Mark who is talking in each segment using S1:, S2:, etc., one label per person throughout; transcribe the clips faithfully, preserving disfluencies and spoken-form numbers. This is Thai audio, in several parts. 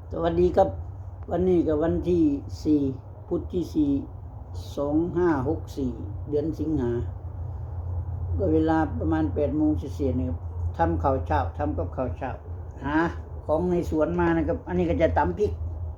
S1: สวัสดีครับวันนี้กับวันที่สี่พุธที่สี่สองห้าหกสี่เดือนสิงหาก็เวลาประมาณแปดโมงเศษๆนะครับทำข้าวเช้าทำกับข้าวเช้าหาของในสวนมานะครับอันนี้ก็จะตำพริก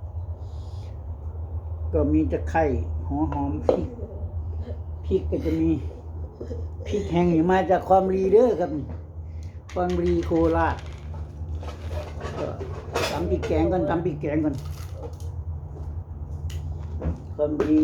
S1: ก็มีตะไคร้หัวหอมพริกพริกก็จะมีพริกแห้งนี่มาจากความรีเด้อครับความรีโคราชก็ตำพริกแกงก่อนตำพริกแกงก่อนความดี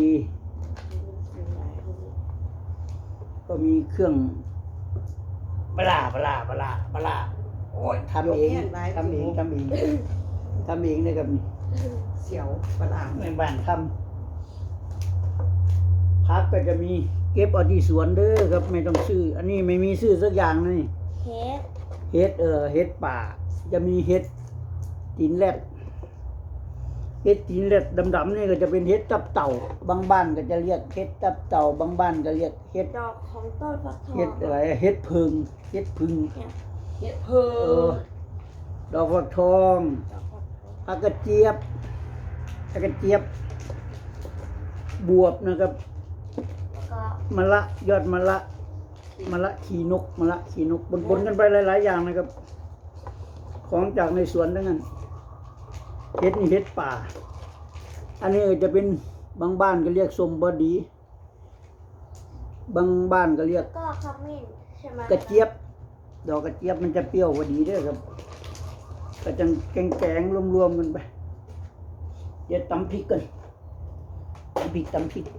S1: ก็มีเครื่องปลาปลาปลาปลาโอ้ยทำเองทำเองทำเองทำเองนะครับนี่
S2: เสียวปลา
S1: ในบ้านทำพักก็จะมีเก็บเอาที่สวนเด้อครับไม่ต้องซื้ออันนี้ไม่มีซื้อสักอย่างนี่
S3: เฮ็ด
S1: เฮ็ดเออเฮ็ดป่าจะมีเฮ็ดตีนแรดเฮ็ดตีนแรดดำๆนี่ก็จะเป็นเฮ็ดตับเต่าบางบ้านก็จะเรียกเฮ็ดตับเต่าบางบ้านก็เรียกเฮ็ด
S3: ดอกของต้นฟักทอง
S1: เฮ็ดอะไรเฮ็ดพึ่งเฮ็ดพึ่ง
S2: เฮ็ดเพิ่ง
S1: ดอกฟักทองผักกระเจี๊ยบผักกระเจี๊ยบบวบนะครับมะละยอดมะละมะละขีนกมะละขีนกปนๆกันไปหลายๆอย่างนะครับของจากในสวนทั้งนั้นเฮ็ดนี่เฮ็ดป่าอันนี้จะเป็นบางบ้านก็เรียกส้มบดีบางบ้านก็เรียก
S3: ก็ขมิ้นใช่ไหม
S1: กระเจี๊ยบดอกกระเจี๊ยบมันจะเปรี้ยวพอดีเด้อครับก็จะแกงๆรวมๆกันไปเดี๋ยวตำพริกกันตำพริกตำพริก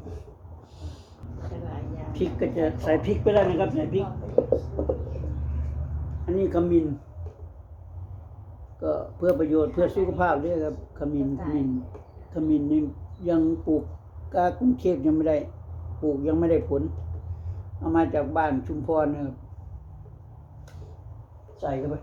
S1: พริกก็จะใส่พริกไปแล้วนะครับใส่พริกอันนี้ขมิ้นก็เพื่อประโยชน์เพื่อสุขภาพด้วยครับขมิ้นขมิ้นขมิ้นนี่ยังปลูกกากรุงเทพยังไม่ได้ปลูกยังไม่ได้ผลเอามาจากบ้านชุมพรนะครับใส่เข้าไป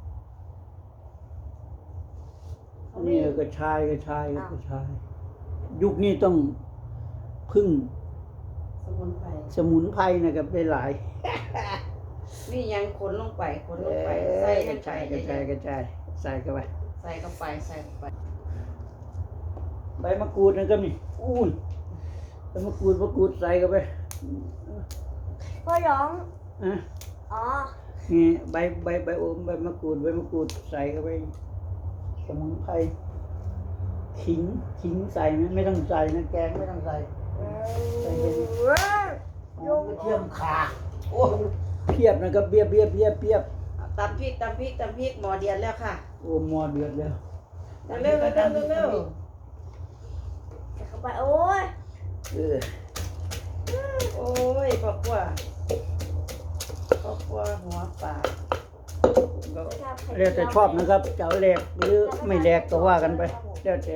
S1: อันนี้กระชายกระชายกระชายยุคนี้ต้องพึ่ง
S2: สมุนไพร
S1: สมุนไพรนะครับได้หลาย
S2: นี่ยังขนลงไปขนลงไปใส่
S1: กระชายกระชายกระชายใส่เข้าไป
S2: ใส่เข้าไปใส่เข้าไป
S1: ใบมะกรูดนะครับนี่อุ้ยใบมะกรูดมะกรูดใส่เข้าไป
S3: พ่อร้อง
S1: อ่ะ
S3: อ๋อ
S1: นี่ใบใบใบโอมใบมะกรูดใบมะกรูดใส่เข้าไปสมุนไพรขิงขิงใส่ไหมไม่ต้องใส่นะแกงไม่ต้องใส่ใส่เป็นหอมกระเทียมข่าโอ้เพียบนะครับเพียบเพียบเพียบเพียบ
S2: ตำพริกตำพริกตำพริกหม้อเดือดแล้วค่ะ
S1: โอ้หม้อเดือดแล้ว
S2: เร็วเร็วเร็วเร็วเร็ว
S3: เข้าไปโอ้ย
S1: เออ
S2: โอ้ยพ่อปัวพ่อปัวหัวปลา
S1: แล้วแต่ชอบนะครับจะเอาแหลกหรือไม่แหลกก็ว่ากันไปแล้วแต่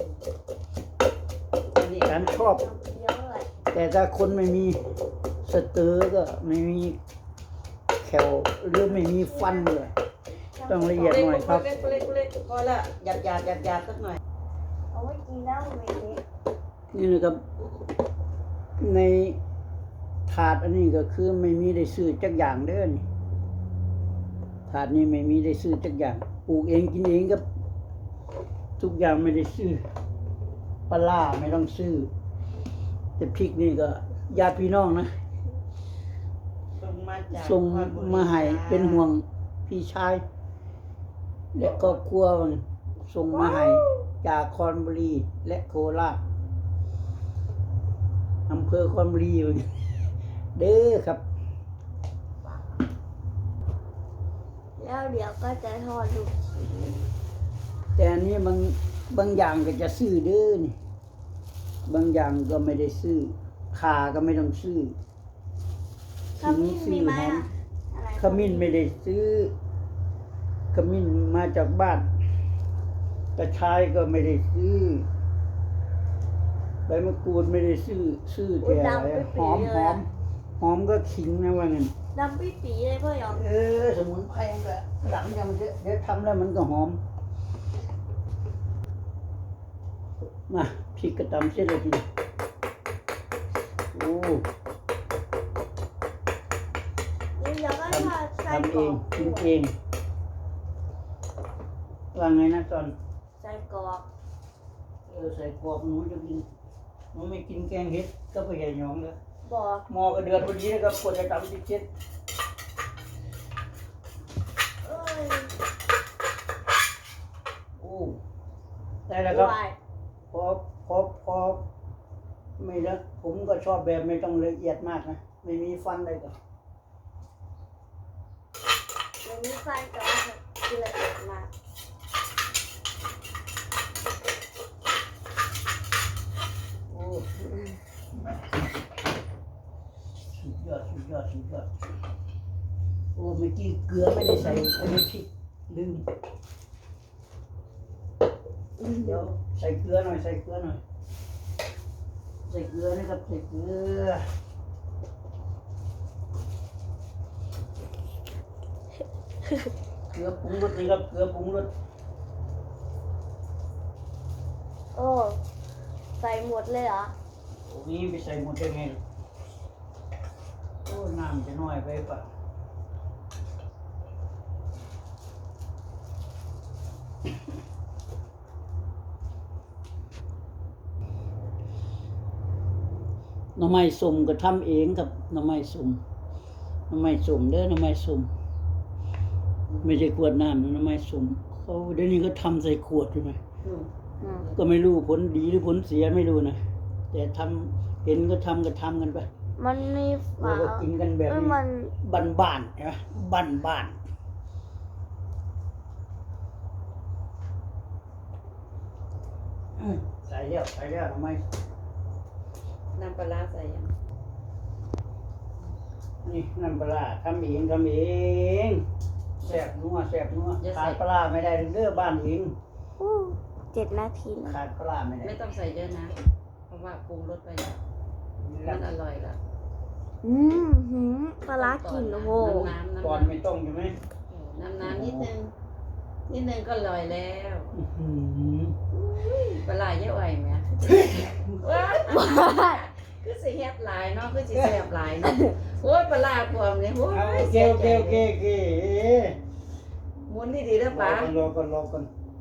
S1: การชอบแต่ถ้าคนไม่มีสเตอร์ก็ไม่มีแขวหรือไม่มีฟันเลยต้องละเอียดหน่อยครับ
S2: เล็กเล็กเล็กพอละหยาดหยาดหยาดหยาดสักหน่อย
S3: เอาไว้กินแล้วไม่เล็ก
S1: นี่นะครับในถาดอันนี้ก็คือไม่มีได้ซื้อจักอย่างเด้อนี่ถาดนี้ไม่มีได้ซื้อจักอย่างปลูกเองกินเองครับทุกอย่างไม่ได้ซื้อปลาไม่ต้องซื้อแต่พริกนี่ก็ญาติพี่น้องนะส่งมาให้เป็นห่วงพี่ชายและครอบครัวส่งมาให้จากคอนบุรีและโคราชอำเภอคอนบุรีเด้อครับ
S3: แล้วเดี๋ยวก็จะทอดลูกชิ้น
S1: แต่อันนี้บางบางอย่างก็จะซื้อเด้อนี่บางอย่างก็ไม่ได้ซื้อข่าก็ไม่ต้องซื้อ
S3: ขมิ้นมีไหมอ่ะ
S1: ขมิ้นไม่ได้ซื้อขมิ้นมาจากบ้านกระชายก็ไม่ได้ซื้อใบมะกรูดไม่ได้ซื้อซื้อแต่อะไรหอมหอมหอมก็ขิงนะว่างั้น
S3: ดำปี๊ปีเลยพ่อยอม
S1: เออสมุนไพรก็หลังยังเดี๋ยวทำแล้วมันก็หอมมาพริกกระตำเสร็จแล้วทีโอ้ทำเองกินเองว่าไงนะตอน
S3: ใส่กรอก
S1: เออใส่กรอบหนูจะกินหนูไม่กินแกงเห็ดก็ไปใหญ่หยองเลย
S3: บอก
S1: หม้อก็เดือดพอดีนะครับกดจะทำติดเช็ด
S3: เอ้ย
S1: โอ้ได้แล้วครับ
S3: วาย
S1: พอพอพอไม่ละผมก็ชอบแบบไม่ต้องละเอียดมากนะไม่มีฟันเลยก็
S3: มันมีไฟแต่ว่าคือละเอียดมาก
S1: โอ้สุดยอดสุดยอดสุดยอดโอ้เมื่อกี้เกลือไม่ได้ใส่อันนี้พริกลืมเดี๋ยวใส่เกลือหน่อยใส่เกลือหน่อยใส่เกลือนะครับใส่เกลือเกลือปรุงรสนะครับเกลือปรุงรส
S3: โอ้ใส่หมดเลยเหรอ
S1: โอ้นี้ไปใส่หมดได้ไงโอ้น้ำจะน้อยไปปะหน่อไม้สุ่มก็ทำเองกับหน่อไม้สุ่มหน่อไม้สุ่มเด้อหน่อไม้สุ่มไม่ใช่ขวดน้ำนะหน่อไม้สุ่มเขาเดี๋ยวนี้ก็ทำใส่ขวดใช่ไหม
S2: อืม
S3: อืม
S1: ก็ไม่รู้ผลดีหรือผลเสียไม่รู้นะแต่ทำเห็นก็ทำก็ทำกันไป
S3: มันมีฝา
S1: เราก็กินกันแบบ
S3: เอ้ย
S1: นี้
S3: มัน
S1: บ้านบ้านๆใช่ไหมบ้านบ้านอืมใส่แล้วใส่แล้วทำไม
S2: น้ำปลาร้าใส่ยัง
S1: นี่น้ำปลาร้าทำเองทำเองแซ่บนัวแซ่บนัวขาดปลาร้าไม่ได้เด้อบ้านเอง
S3: อู้เจ็ดนาทีแล้ว
S1: ขาดปลาร้าไม่ได้
S2: ไม่ต้องใส่เยอะนะ เพราะว่าปรุงรสไปแล้วมันอร่อยแล้ว
S3: อืมหืมปลาร้ากินโอ้โห
S2: น้ำน้ำ
S1: ก่อน
S2: น้ำ
S1: ไม่ต้องใช่ไหม
S2: น้ำน้ำนิดนึงนิดนึงก็อร่อยแล้ว
S1: อื้อหือ
S2: ปลาไหลเยอะไหวไหมว้าคือสิเฮ็ดหลายเนาะคือสิแซ่บหลายเนาะโอ้ยปลาไหลพวมเนี่ยโอ้
S1: เอาโอย เค
S2: เสีย
S1: โอเค
S2: ใจ
S1: โอเค
S2: เลย
S1: โอเค
S2: หมุนดีๆนะ
S1: รอ
S2: ป๋า
S1: กันรอกันรอกัน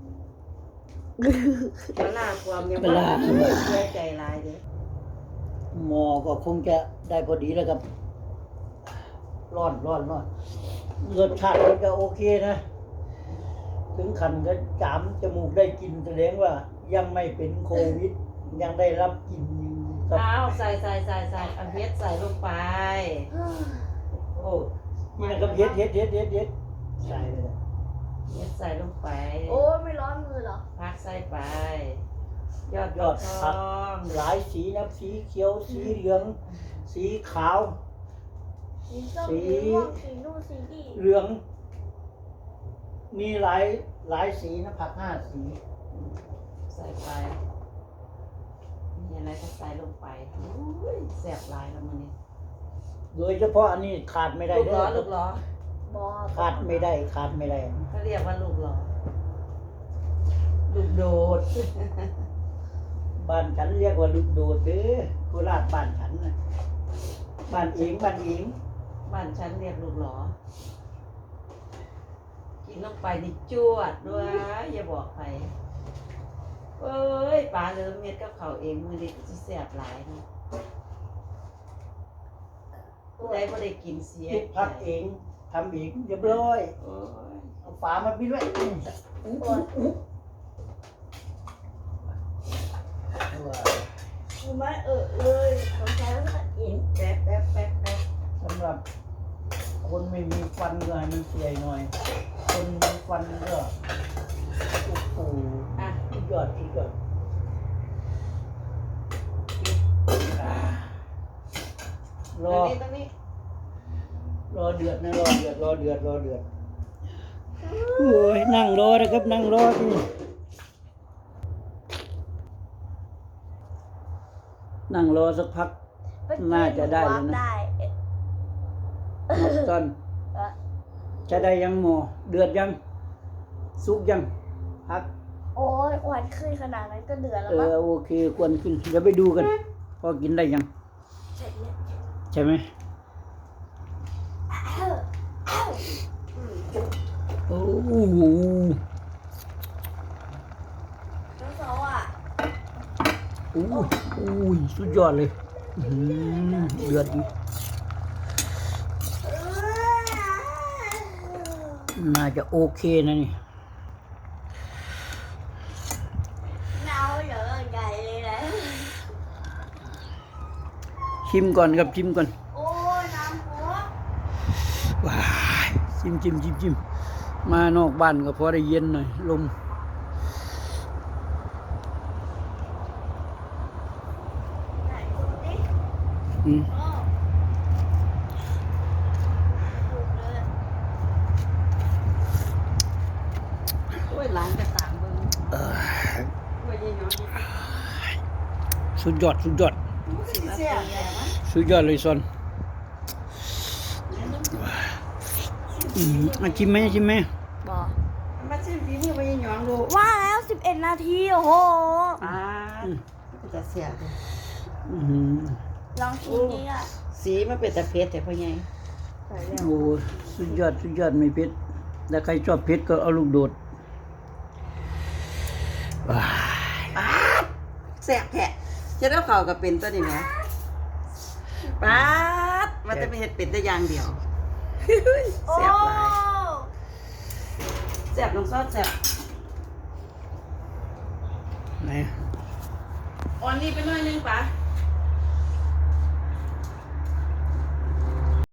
S2: ปลาไหลพวมเนี่ย
S1: ปลาร้า
S2: เสียใจหลายเด้อ
S1: หมอก็คงจะได้พอดีแล้วครับร้อนร้อนร้อนรสชาติมันก็โอเคนะ ถึงขันก็จามจมูกได้กลินแสดงว่า ยังไม่เป็นโควิด ยังได้รับกลินอยู่ครับ
S2: เอาใส่ใส่ใส่ใส่เอาเฮ็ดใส่ลงไป
S1: โอ้นี่นะครับเย็ดเย็ดเย็ดเย็ดเย็ดใส่เลยนะ
S2: เฮ็ดใส่ลงไป
S3: โอ้ไม่ร้อนมือเหรอ
S2: พักใส่ไป ยอด
S1: ยอด
S2: ท
S1: ผัก
S2: อง
S1: หลายสีนะสีเขียว สีเหลือง สีขาว
S3: สีส้ม
S1: สี
S3: สีม่วงสีนู่นสีนี่
S1: เหลือง มีหลายหลายสีนะผักห้าสี
S2: ใส่ไปมีอะไรก็ใส่ลงไปอุ้ยแซ่บหลายแล้วมื้อนี้
S1: โดยเฉพาะอันนี้ขาดไม่ได้
S2: ลูก
S1: เด้
S2: ล้อ
S1: อ
S2: ลูกล้อ
S3: บอ
S1: ขาดไม่ได้ขาดไม่ได้
S2: เขาเรียกว่าลูกล้อลูกโดด
S1: บ้านฉันเรียกว่าลูกโดดเด้อโคราชบ้านฉันนะบ้านเองบ้านเอง
S2: บ้านฉันเรียกลูกล้อกินลงไปนี่จวดด้วยอย่าบอกใครเอ้ยปลาเริ่มเม็ดกับเขาวเองมื้อนี้สิแซ่บหลายเนาะผู้ใดบ่ได้กินเสีย
S1: คิดพักเองทำเองเรียบร้อย
S2: โอ้ย
S1: เอาฝามาปิดไว้อื้ออื้ออื้ออื้อ
S3: คือไม่เออเลยสงสัยว่าจะอิ่ม
S2: แป๊บแป๊บแป๊บแป๊บ
S1: สำหรับคนไม่มีฟันก็ให้มันเสียหน่อย คนมีฟันก็โอ้โห
S2: อ่ะ
S1: สุดยอดสุดยอดอ่ารอ
S2: ตรงนี้ตรงนี้
S1: รอเดือดนะรอเดือดรอเดือดรอเดือดโอ้ยนั่งรอนะครับนั่งรอที่นั่งรอสักพัก น่าจะได้แล้วนะ
S3: ได้
S1: นับตอน
S3: เออ
S1: จะได้ยังหมอเดือดยัง สุกยังพัก
S3: โอ้ยควันขึ้นขนาดนั้นก็เดือดแล้ว
S1: เอ
S3: มั้ง
S1: อโอเคควรขึ้นเดี๋ยวไปดูกันพอกินได้ยัง
S3: เสร็จแล้ว
S1: ใช่ไหม โอ้โห
S3: เขาอ่ะ
S1: อู้อู้ยสุดยอดเลยอื้อหือเดือดอีกน่าจะโอเคนะนี่
S3: เน่าเหลือใหญ่เลยนะ
S1: ชิมก่อนครับชิมก่อน
S3: โอ้ยน้ำหัว
S1: ว้ายชิมชิมชิมชิมมานอกบ้านก็พอได้เย็นหน่อยลม
S3: ไหนดูดิ
S1: อืม
S3: โอ้ถูกเลย
S2: โอ้ยหลานก็ตามเบิ่ง
S1: เอ่อ
S2: โอ้ยยายน้อย
S1: สุดยอดสุดยอด
S2: สิมาเสียแย่มั้ย
S1: สุดยอดเลยซอนอืมอ่ะชิมไหมชิมไหม
S3: บอก
S2: มาชิมฝีมือไปยายน้องดู
S3: ว่าแล้วสิบเอ็ดนาทีโอ้โห
S2: อ่าก็จะเสียเลย
S1: อื้อหือ
S3: ลองชิมดิอ่ะ
S2: สีมันเป็นตะเพ็ดแต่พ่อใหญ่ใส่แล้ว
S1: โอ้สุดยอดสุดยอดไม่เผ็ดแต่ใครชอบเผ็ดก็เอาลูกโดดว้าย
S2: ป๊าดแซ่บแท้จะได้เข้ากับเป็นตัวนี้แหมป๊าดมันจะเป็นเฮ็ดเป็ดได้อย่างเดียว
S3: โอ้
S2: แซ่บหลายแซ่บน้องซอสแซ่บ
S1: ไหน
S2: อ่อนนี่ไปหน่อยนึงป่ะ